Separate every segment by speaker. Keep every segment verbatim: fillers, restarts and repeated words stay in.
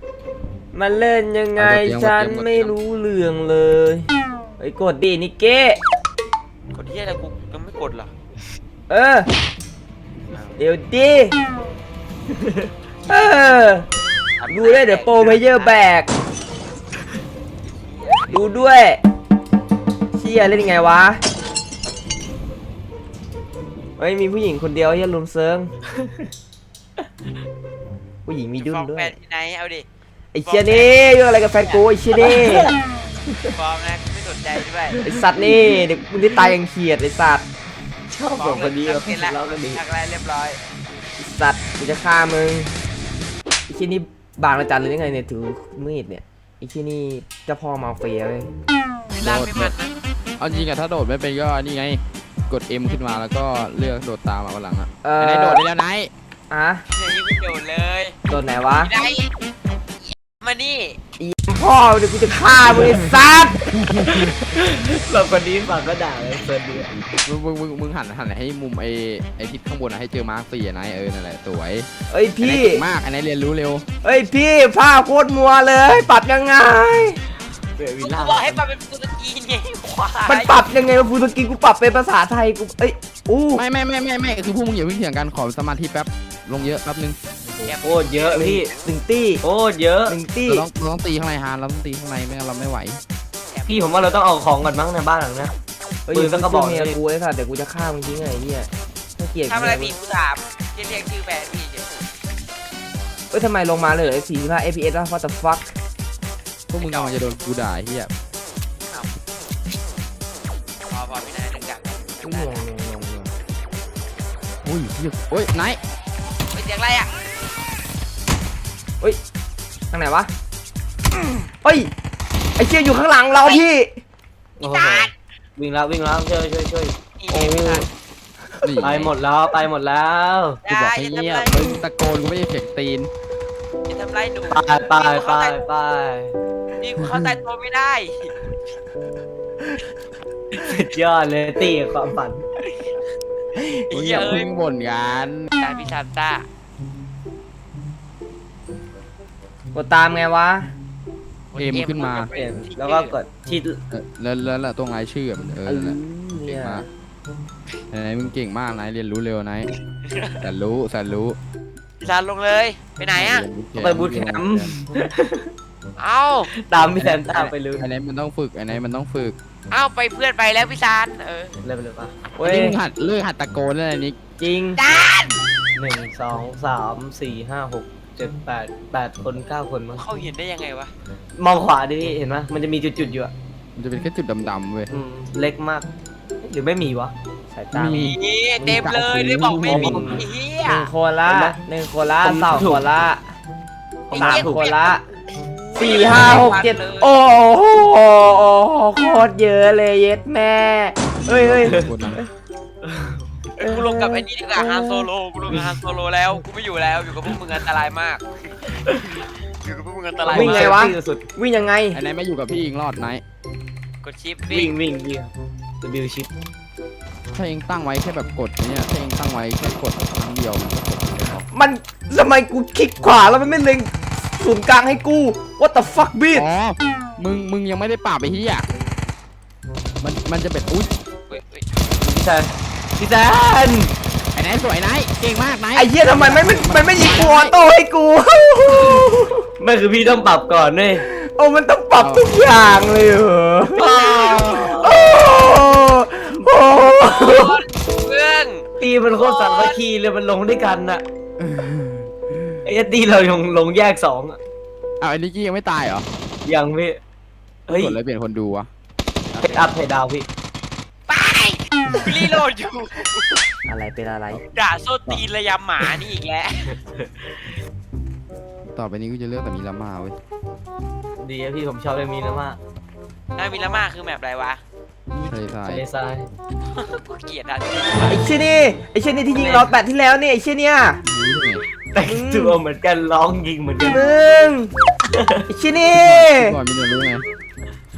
Speaker 1: มันเล่นยังไงฉันไม่รู้เรื่องเลยไอ้กดดินิเก้
Speaker 2: กดที่อะไรกูยังไม่กดเหรอ
Speaker 1: เออเดี๋ยวดิเออดูด้วยเดี๋ยวโปรเพเยอร์แบกดูด้วยเชี่ยเล่นยังไงวะเฮ้ยมีผู้หญิงคนเดียวที่ลุมเซิงผู้หญิงมีดุนด้วย
Speaker 2: แฟนที่ไหนเอาดิ
Speaker 1: ไอ้เชี่ยนี่เรื่องอะไรกับแฟนกูไอ้เชี่ยนี่
Speaker 2: ฟอร์มนะไม่สนใจด้วย
Speaker 1: ไอ้สัตว์นี่เด็กมึงได้ตายยังเขียดไอ้สัตว์
Speaker 3: ชอบสองคนนี้เราทะเลาะกันดี
Speaker 2: ทักไรเรียบร้อย
Speaker 1: ไอ้สัตว์กูจะฆ่ามึงไอ้เชี่ยนี่บางระจันเลยยังไงเนี่ยถือมีดเนี่ยไอ้เชี่ยนี่เจ้าพ่อมาเฟียเลย
Speaker 2: ลากไม่มันนะ
Speaker 4: เอาจริงอะถ้าโดดไม่เป็นก็นี่ไงกด M ขึ้นมาแล้วก็เลือกโดดตามมาวันหลังอะไอ้โดดได้แล้วไนท์
Speaker 1: อ่ะ
Speaker 2: อย่างนี้ไม่โดดเลย
Speaker 1: โดดไหนวะ
Speaker 2: ไหนมานี่
Speaker 1: อีพ่อเดี๋ยวกูจะฆ่ามึงไอ้สัตว์
Speaker 3: เราคนนี้ฝั่งก็ด่าเลยเฟิร์นดี
Speaker 4: มึงมึงมึงมึงหันหันให้มุมไอ้ไอ้ทิศข้างบนอะให้เจอมาร์คสี่ไนท์เออนั่นแหละสวย
Speaker 1: เอ้ยพี่
Speaker 4: มากไอ้ไนท์เรียนรู้เร็ว
Speaker 1: เอ้ยพี่ภาพโคตรมัวเลยปรับยังไง
Speaker 2: กูบอกให้ปรับเป็นฟูสกรีนไงควาย
Speaker 1: มันปรับยังไงวะฟูสกรีนกูปรับเป็นภาษาไทยกูเอ้ยอู้
Speaker 4: ไม่ไม่ไม่ไม่ไม่คือพวกมึงอย่าเพิ่งเถียงกันขอสมาธิแป๊บลงเยอะแป๊บนึง
Speaker 3: โคตรเยอะพี่
Speaker 1: หนึ่งตี้
Speaker 3: โคตรเยอะ
Speaker 1: หนึ่งตี้
Speaker 4: เราต้องเราต้องตีข้างในฮาร์เราต้องตีข้างในไม่งั้นเราไม่ไหว
Speaker 3: พี่ผมว่าเราต้องเอาของก่อนมั้งในบ้านหลังนี้ปืนก็บอก
Speaker 1: เมียกูไอ้สัตว์เดี๋ยวกูจะฆ่ามึงทิ้งไงเนี่ยถ้าเกลียด
Speaker 2: ทำอะไรพี่กูถามเรียกชื่อแฟนพี่เฉย
Speaker 1: เอ้ยทำไมลงมาเลยสี่สิบห้า เอฟ พี เอส แล้ว what the fuck
Speaker 4: พวกมึงกำลังจะโดนกูด่าเฮีย
Speaker 2: พอพอพี่นายดึงจับ
Speaker 1: งงงงงง
Speaker 4: โอ้ยเฮียโอ้ยไนท์
Speaker 2: เป็นเสียงอะไรอ่ะ
Speaker 1: เฮ้ยทางไหนวะเฮ้ยไอ้เชี่ยอยู่ข้างหลังเราพี่
Speaker 3: วิ่งแล้ววิ่งแล้วช่วยช่วยช่วย
Speaker 1: โอ้
Speaker 3: ไปหมดแล้วไปหมดแล้ว
Speaker 4: กูบอกให้เงียบมึงตะโกนกูไม่ได้เสียงตีน
Speaker 2: จะทำไรหนู
Speaker 3: ไปไปไปไป
Speaker 2: นี่กูเข้าใจตัวไม่ได้
Speaker 3: สุดยอดเลยตีความฝัน
Speaker 4: เฮ้ยอย่าพึ่งบ่นกัน
Speaker 2: การพิซานต้า
Speaker 1: กดตามไงวะ
Speaker 4: เอ็มขึ้นมา
Speaker 3: แล้วก็กดที่
Speaker 4: แล้วแล้วแล้วตรงไอชื่อมันเออเก่งมากไอ้มึงเก่งมากนายเรียนรู้เร็วนะแต่รู้แต่รู้
Speaker 2: พิซานลงเลยไปไหนอ่ะ
Speaker 3: ไปบูทแคมป์
Speaker 2: เอ้า
Speaker 3: ตามพี่แซมตามไปเลย
Speaker 4: ไอ้ไหนมันต้องฝึกไอ้ไหนมันต้องฝึก
Speaker 2: เอ้าไปเพื่อนไปแล้วพิซานเออ
Speaker 3: เริ่มเลยปะ
Speaker 4: เว้ยมึงหัดเลิกหัดตะโกนอะไรนี้
Speaker 1: จริง
Speaker 2: จาน
Speaker 3: หนึ่งสองสามสี่ห้าหกเจ็ดแปดแปดคนเก้าคนมั้ง
Speaker 2: เขาเห็นได้ยังไงวะ
Speaker 3: มองขวาดิเห็นไหมมันจะมีจุดๆอยู่อ่ะ
Speaker 4: มันจะเป็นแค่จุดดำๆเว้ย
Speaker 3: เล็กมากหรือไม่มีวะสายตา
Speaker 2: มีเต็มเลยได้บอกไม่มี
Speaker 1: หนึ่งคนละหนึ่งคนละสองคนละสามคนละสี่ห้าหกเจ็ดโอ้โหโคตรเยอะเลยเย็ดแม่เฮ้ยเฮ้ย
Speaker 2: กูลงกับไอ้นี่ดีกว่าฮานโซโลกูลงกับฮานโซโลแล้วกูไม่อยู่แล้วอยู่กับพวกมึงอันตรายมากอยู่กับพวกมึงอันตราย
Speaker 1: วิ่งไงวะวิ่งยังไง
Speaker 4: ไอ้ไหนไม่อยู่กับพี่อิงรอดไหน
Speaker 2: กดชิป
Speaker 3: วิ่งวิ่งวิ่งจะบิวชิป
Speaker 4: ถ้าเองตั้งไว้แค่แบบกดเนี่ยถ้าเองตั้งไว้แค่กดครั้งเดียว
Speaker 1: มันทำไมกูคลิกขวาแล้วมันไม่เล็งศูนย์กลางให้กู what the fuck บีด
Speaker 4: อ๋อมึงมึงยังไม่ได้ปราบไปที่อ่ะมันมันจะเป็นอุ้ย
Speaker 3: พี่แซนพี่แซน
Speaker 4: ไอ้ไหนสวยไหนเก่งมากไหน
Speaker 1: ไอ้เหี้ยทำไมไม่มันไม่ยิงกูออโต้ให้กู
Speaker 3: ไม่คือพี่ต้องปรับก่อนเลย
Speaker 1: โอ้มันต้องปรับทุกอย่างเลยเหรอโอ้โห
Speaker 2: เพื่อน
Speaker 3: ตีมันโคตรสามัคคีเลยมันลงด้วยกันน่ะไอ้ตีเราลงลงแยกสองอ่ะ
Speaker 4: อ้าวไอ้นิกกี้ยังไม่ตายเหรอ
Speaker 3: ยังพี่
Speaker 4: เฮ้ยกดเลยเปลี่ยนคนดูวะ
Speaker 3: เพชรอัพเพดาวพี่
Speaker 2: ไปรีโหลดอยู่
Speaker 1: อะไรเป็นอะไร
Speaker 2: ด่าโซตีนระยำหมานี่อีกแล้ว
Speaker 4: ต่อไปนี้กูจะเลือกแต่มีลาม่าเว้ย
Speaker 3: ดีอะพี่ผมชอบเลยมีลาม่า
Speaker 2: น่ามีลาม่าคือแบบอะไรวะ
Speaker 4: ทะเลทราย
Speaker 3: ทะเลทราย
Speaker 2: กูเกลียดอ่ะ
Speaker 1: ไอ้เชี่ยนี่ไอ้เชี่ยนี่ที่ยิงเราแปดที่แล้วนี่ไอ้เชี่ยเนี่ย
Speaker 3: แต่งตัวเหมือนกันร้องยิงเหมือนกัน
Speaker 1: มึงไอ้เชี่ยนี่
Speaker 4: ก่อนมีเนื้อรู้ไง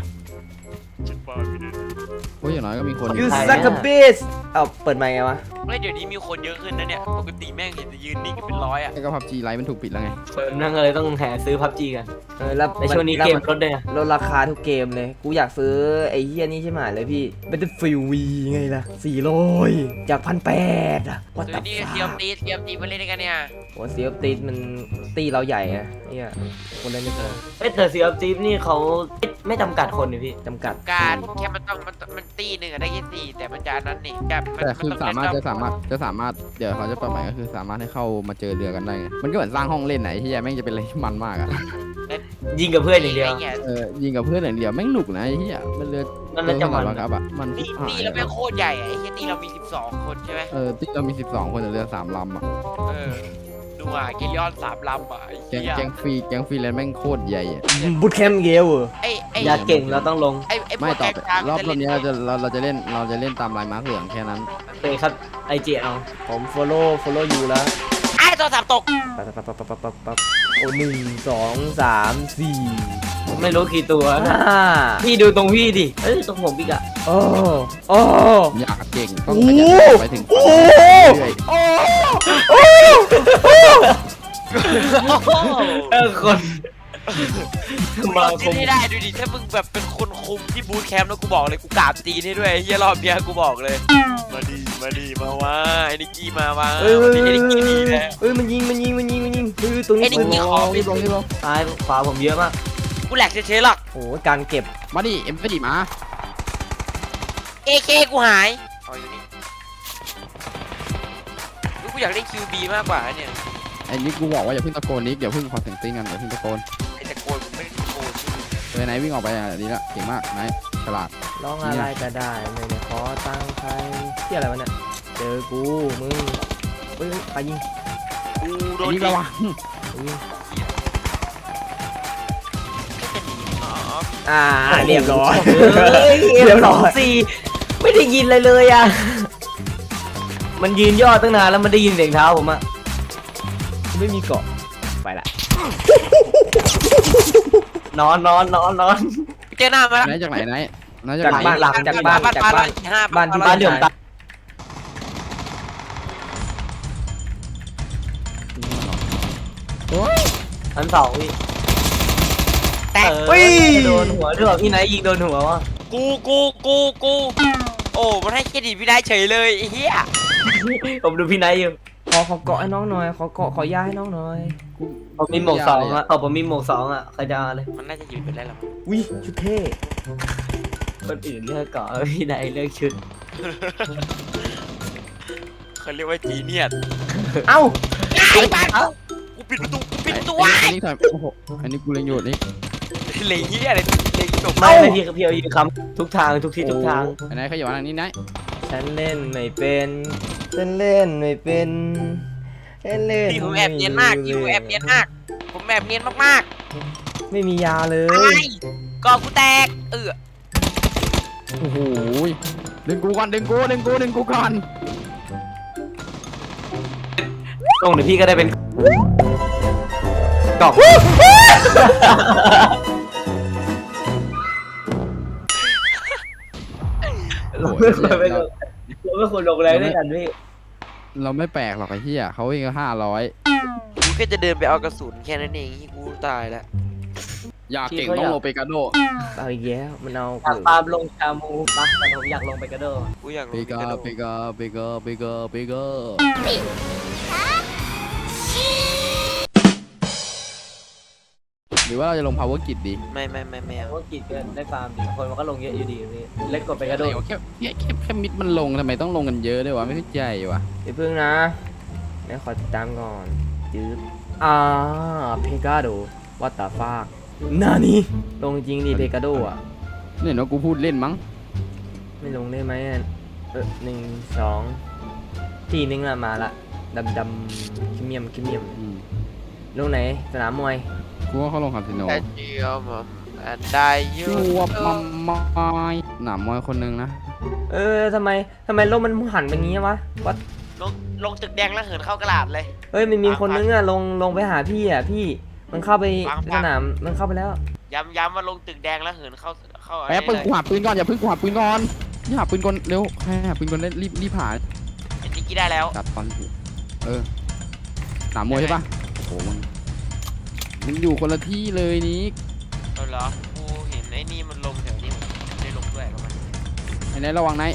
Speaker 4: โอ้ยอย่างน้อยก็มีคน
Speaker 1: ยูซักกับบิสเอาเปิดไมค์ไงวะ
Speaker 2: ไม่ไม่เดี๋ยวนี้มีคนเยอะขึ้นนะเนี่ยปกติแม่งเห็นจะยืนนิ่งกันเป็นร้อยอ่ะ
Speaker 4: ไอ้ก็พับจีไลท์มันถูกปิดแล้วไง
Speaker 3: เปิดนั่งเลยต้องแห่ซื้อพับจีกัน
Speaker 1: เออแล้ว
Speaker 3: ในช่วงนี้
Speaker 1: แล้ว
Speaker 3: เกมลดด้วยนะ
Speaker 1: ลดราคาทุกเกมเลย กูอยากซื้อไอ้เฮียนี่ใช่ไหมเลยพี่เป็นฟิววีไงล่ะสี่ร้อยจากพันแปดอะว่า
Speaker 2: ตั
Speaker 1: แต่
Speaker 2: วนี้เทียมตีเทียมตีมาเล่นด้วยกันเนี่ย
Speaker 1: โอ้เสียบตีมันตีเราใหญ่อะเนี่ยคนเล่นไม่พอ
Speaker 3: เอ้ยแต่ซีออฟจีนี่เขาไม่จำกัดคนนี่พี่
Speaker 1: จำกัด
Speaker 2: การแค่มันต้องมันมันตีหนึ่งอะได้แค่สี่แต่มันจะนั้นนี่แบบมัน
Speaker 4: แต่คือ
Speaker 2: มัน
Speaker 4: สามารถ
Speaker 2: ต้
Speaker 4: จะ
Speaker 2: อง
Speaker 4: สามารถจะสามารถเดี๋ยวเขาจะปรับใหม่ก็คือสามารถให้เข้ามาเจอเรือกันได้ไงมันก็เหมือนสร้างห้องเล่นไหนที่แม่งจะเป็นอะไรที่มันมากอ่ะ
Speaker 3: ยิงกับเพื่อนอย่างเดียว
Speaker 2: ไงี้
Speaker 4: เออยิงกับเพื่อนอย่างเดียวแม่งหนุกนะไอ้ที่อ่ะมันเรือ
Speaker 3: มันน่าจะมัน
Speaker 4: เรือขนาดครับอ่ะมัน
Speaker 2: ตี
Speaker 4: หา
Speaker 2: ตี
Speaker 4: ย
Speaker 2: แล้วแม่งโคตรใหญ่อะไอ้แค่ตีเรามีสิบสองคนใช่ไหม
Speaker 4: เออที่เรามีสิบสองคนแต่เรือสามลำอ่ะ
Speaker 2: เออดูอ่ะเกลิออนสามลำอ่ะไอ้
Speaker 4: แก๊ง
Speaker 2: เหี้ย
Speaker 4: แก๊งฟรีแก๊งฟรีแลนด์แม่งโคตรใหญ่อ่ะ
Speaker 1: บูทแคมป์เกลเหรอ
Speaker 2: ไอ้ไอ้
Speaker 3: อยากเก่งเราต้องลง
Speaker 2: ไอ้ไอ้พว
Speaker 4: ไม่
Speaker 2: ก
Speaker 4: ต่อ
Speaker 2: แก๊ง
Speaker 4: ไป
Speaker 2: กลาง
Speaker 4: รอบร
Speaker 2: จะ
Speaker 4: อบ
Speaker 2: เล่น
Speaker 4: นี้เราจะเราเราจะเล่นเราจะเล่นตามลายมาร์คเหลืองแค่นั้น
Speaker 3: โอเคครับไอเจเอา
Speaker 1: ผม follow follow อยู่แล้ว
Speaker 2: ไอ้ตัวสามตก
Speaker 1: ปั๊บปั๊บปั๊บปั๊บปั๊บปั๊บโอ้หนึ่งสองสามสี่
Speaker 3: ผมไม่รู้กี่ตัวนะ
Speaker 1: ห้า
Speaker 3: พี่ดูตรงพี่ดิเอ้ยตรงผมอีกอะ
Speaker 1: โอ้โอ้
Speaker 4: อยากเก่งต้อง
Speaker 1: โอ้
Speaker 4: ข
Speaker 1: โห
Speaker 4: ยันไปถึงฝันเรื่อย
Speaker 1: โอ้โอ้
Speaker 3: เออคนมา
Speaker 2: เรา
Speaker 3: ค
Speaker 2: ตี
Speaker 3: ม
Speaker 2: ให้ได้ดูดิถ้ามึงแบบเป็นคนคุมที่บูธแคมป์แล้วกูบอกเลยกูกราบตีนให้ด้วยไอ้เฮียรอบเนี้ยกูบอกเลยมาดีมาดีมาว่าไอ้นิกกี้มาว่า
Speaker 1: เอ้ย
Speaker 2: วัน
Speaker 1: เอ้
Speaker 2: นี้
Speaker 1: ย
Speaker 2: ไอ้นิกกี้ดีแล้ว
Speaker 1: เอ้ยมันยิงมันยิงมันยิงมันยิงเฮ้ยตรงนี้
Speaker 2: ไอ้นี่
Speaker 1: ปืน
Speaker 2: ยิง
Speaker 4: ๆรีบลงรีบลง
Speaker 3: ซ้ายขวาผมเยอะมาก
Speaker 2: กูแหลกเฉยๆหรอก
Speaker 1: โอ้ยการเก็บ
Speaker 4: มาดิเอ็มสี่มา
Speaker 2: เอเคกูหายเอาอยู่นี่กูอยากเล่นคิวบีมากกว่าเนี่ย
Speaker 4: ไอ้นี่กูบอกว่าอย่าเพิ่งตะโกนนิกอย่าเพิ่งขอเสียงติ้งกันอย่าเพิ่งตะโกน
Speaker 2: ไอ้ตะโกนกูไม่ได้ตะโกน
Speaker 4: เออไหนวิ่งออกไปอ่ะดีละเก่งมากไหนฉลาด
Speaker 1: ร้องอะไรก็ได้ไม่ได้ขอตังค์ใครที่อะไรวะเนี่ยเจอกูมึงเอ้ยไปยิง
Speaker 2: กูโด
Speaker 4: ไอ้
Speaker 2: น
Speaker 4: นี่ระวัง
Speaker 1: ไปยิง
Speaker 2: จะหนีอ๋อ
Speaker 1: อ่าเรียบร้อย
Speaker 3: เฮ้ย
Speaker 1: เรียบร้อย
Speaker 3: สี่ไม่ได้ยินอะไรเลยอะมันยืนย่อตั้งนานแล้วมันได้ยินเสียงเท้าผมอะ
Speaker 1: ไม่มีเกาะไปละ
Speaker 3: นอนนอนนอนนอน
Speaker 2: เจอหน้ามาแล้ว
Speaker 4: ไหนจากไหนไหนไหน
Speaker 1: จาก
Speaker 4: ไหน
Speaker 1: บ้านหลังจากบ้านจากบ้าน
Speaker 2: ห้า
Speaker 1: บ้านที่
Speaker 3: บ้านเดือมตา
Speaker 4: โอ้ย
Speaker 3: อันสองพี่
Speaker 2: แตก
Speaker 3: เออโดนหัวด้วยพี่ไนท์ยิงโดนหัววะ
Speaker 2: กูกูกูกูโอ้มันให้เครดิตพี่ได้เฉยเลยไอ้เหี้ย
Speaker 3: ผมดูพี่ไนท์อยู่
Speaker 1: ขอขอเกาะให้น้องหน่อยขอเกาะขอยาให้น้องหน่อย
Speaker 3: ผมมีหมวกสองอะเอาผมมีหมวกสองอะใครจะเอาเลย
Speaker 2: มันน่าจะอยู่เป็นไรหรอ
Speaker 1: วิชุดเท่
Speaker 3: คนอื่นเลือกเกาะพี่ไนท์เลือกชุด
Speaker 2: เขาเรียกว่าจีเนียส
Speaker 1: เอ้า
Speaker 2: ไอ้บ้านกูปิดประตูกูปิดประตูไว้
Speaker 4: ไอ้นี่ถอยโอ้โหอันนี้กูเล็งอยู่นี่
Speaker 2: เหลยเหี้ยอะไรเหลยจบ
Speaker 3: ไม่ไม่พี่พี่เอายิงคำทุกทางทุกที่ทุกทาง
Speaker 4: อันไหนขยับมาทางนี้ไหน
Speaker 1: ฉันเล่นไม่เป็นฉันเล่นไม่เป็นฉันเล่น
Speaker 2: พี่ผมแอบเนียนมากพี่ผมแอบเนียนมากผมแอบเนียนมาก
Speaker 1: ไม่มียาเล
Speaker 2: ๆอะไร
Speaker 1: ย
Speaker 2: ก่อกูแตกเออ
Speaker 4: โอ้โหดึงกูก่อนดึงกูดึงกูดึงกูก่อน
Speaker 3: ตรงเดี๋ยวพี่ก็ได้เป็นกล่องเราไม่ควรไปลงเราไม่ควรลงแรงด้วยกันพี่
Speaker 4: เราไม่แปลกหรอกไอ้เหี้ยเขาวิ่งห้าร้อย
Speaker 2: กูแค่จะเดินไปเอากระสุนแค่นั้นเองที่กูตายแล้ว
Speaker 4: อยากเก่งต้องโลเปกาโด
Speaker 1: เอาอีกแล้วมันเอา
Speaker 3: อยากตามลงชามูปะแต่ผมอยากลงไปกระโดด
Speaker 2: กูอยาก
Speaker 4: เป
Speaker 2: รู้
Speaker 4: กา
Speaker 2: กระโดด
Speaker 4: เปกาเปกาเปกาเปกาหรือว่าเราจะลง power grid ดี
Speaker 2: ไม่ไม่ไม่ไม่
Speaker 3: แต่
Speaker 2: เอา
Speaker 3: ว่ากีดเกินได้ฟาร์มดีคนมันก็ลงเยอะอยู่ดีพี่เล็กกว่าไปกระโดด
Speaker 4: แค่แค่แค่แค่มิดมันลงทำไมต้องลงกันเยอะด้วยวะไม่เข้าใจวะ
Speaker 1: เดี๋ยวพึ่งนะเดี๋ยวขอติดตามก่อนจืดอ่าเพกาโดวัตตาฟากนานี่ลงจริงดิเพกาโดอ่ะ
Speaker 4: นี่เห็นว่ากูพูดเล่นมั้ง
Speaker 1: ไม่ลงได้ไหมอะเออหนึ่งสองทีนึงละมาละดำดำคิมเมียมคิมเมียม
Speaker 4: อืม
Speaker 1: ลงไหนสนามมวย
Speaker 4: กูว่าเขาลงคาสิโน
Speaker 2: แต่เดียวมันอันได้อยู
Speaker 4: ชัวร์มัมมอยหนามมอยคนนึงนะ
Speaker 1: เออทำไมทำไมโลกมันหันไปงี้วะวัด
Speaker 2: ลงลงตึกแดงแล้วเหินเข้ากระดาษเลย
Speaker 1: เฮ้ยมันมีคนนึงอะลงลงไปหาพี่อะพี่มันเข้าไป
Speaker 2: ปังปัง
Speaker 1: สนามมันเข้าไปแล้ว
Speaker 2: ย้ำย้ำว่าลงตึกแดงแล้วเหินเข้าเข้า
Speaker 4: แป๊บ
Speaker 2: น
Speaker 4: ปืน
Speaker 2: นี้
Speaker 4: กูหาปืนก่อนอย่าเพิ่งกูหาปืนก่อนอย่าหาปืนก่อนเร็วให้หาปืนก่อนเล่นรีบรีบหา
Speaker 2: ไอ้นิกกี้ได้แล้ว
Speaker 4: จัดตอนถูกเออสนามมวยใช่ปะโอ้โหมึงมึงอยู่คนละที่เลยนี่
Speaker 2: เอาเหรอกูเห็นไอ้นี่มันลงแถวนี้มันได้ลงด้วยกับมัน
Speaker 4: ไอ้ไหนระวังไหน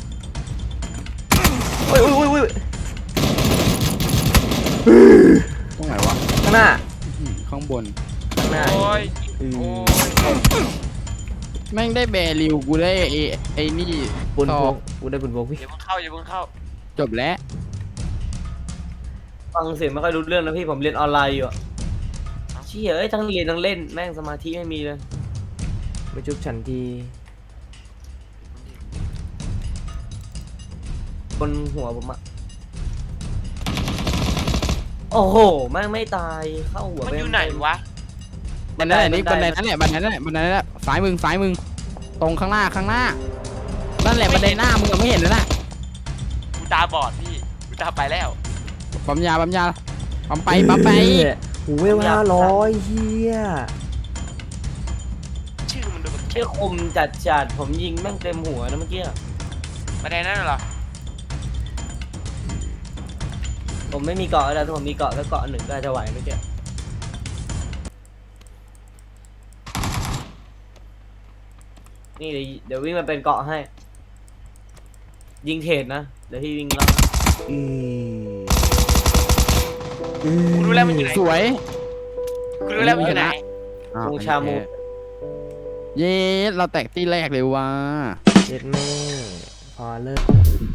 Speaker 1: โอ้ยโอ้ยโอ้ยโอ้ย
Speaker 4: ตรงไหนวะ
Speaker 1: ข้างหน้า
Speaker 4: อืมข้างบน
Speaker 1: ข้างหน้า
Speaker 2: โอ้ย
Speaker 1: อืม
Speaker 2: โอ้ย
Speaker 4: แม่งได้แบริวกูได้ไอ้ไอ้นี่
Speaker 1: ปุน
Speaker 4: ต่
Speaker 1: พ
Speaker 4: อก
Speaker 1: กูได้ปุนพกพี่
Speaker 2: อย่าเพิ่งเข้าอย่าเพิ่งเข้า
Speaker 4: จบแล้ว
Speaker 3: ฟังเสียงไม่ค่อยรู้เรื่องนะพี่ผมเรียนออนไลน์อยู่อะเชี่ยเอ้ยทั้งเรียนทั้งเล่นแม่งสมาธิไม่มีเลย
Speaker 1: มาจุบฉันที
Speaker 3: บนหัวผมอะโอ้โหแม่งไม่ตายเข้าหัว
Speaker 2: มัน
Speaker 3: ป
Speaker 2: อยู่ไหนวะ
Speaker 4: บันไดนี่บันไดนั่นแหละบันไดนั่นแหละบันไดนั่นแหละซ้ายมึงซ้ายมึงตรงข้างหน้าข้างหน้านั่นแหละบันไดหน้ามึงอะไม่เห็นเลยนะ
Speaker 2: กูตาบอดพี่กูตาไปแล้ว
Speaker 4: ปั๊มยาปั๊มยาปั๊มไปปั๊มไป
Speaker 1: หูเวลห้าร้อยเฮีย
Speaker 2: ชื่อมันดูแบบ
Speaker 3: เชี่ยคมจัดจัดๆผมยิงแม่งเต็มหัวนะเมื่อกี้อะ
Speaker 2: มาได้นั่นเหรอ
Speaker 3: ผมไม่มีเกาะแล้วถ้าผมมีเกาะก็เกาะหนึ่งก็อาจจะไหวเมื่อกี้นี่เดี๋ยวเดี๋ยววิ่งมาเป็นเกาะให้ ยิงเทรดนะเดี๋ยวพี่วิ่งแล้ว
Speaker 1: อืม
Speaker 2: กูรู้แล้วมันอยู่ไหน
Speaker 4: สวย
Speaker 2: กูรู้แล้วมันอยู่ไหน
Speaker 4: อ้าว
Speaker 3: มูชามู
Speaker 4: เย้เราแตกที่แรกเลยว่ะ
Speaker 1: เย็ดแม่พอเลิก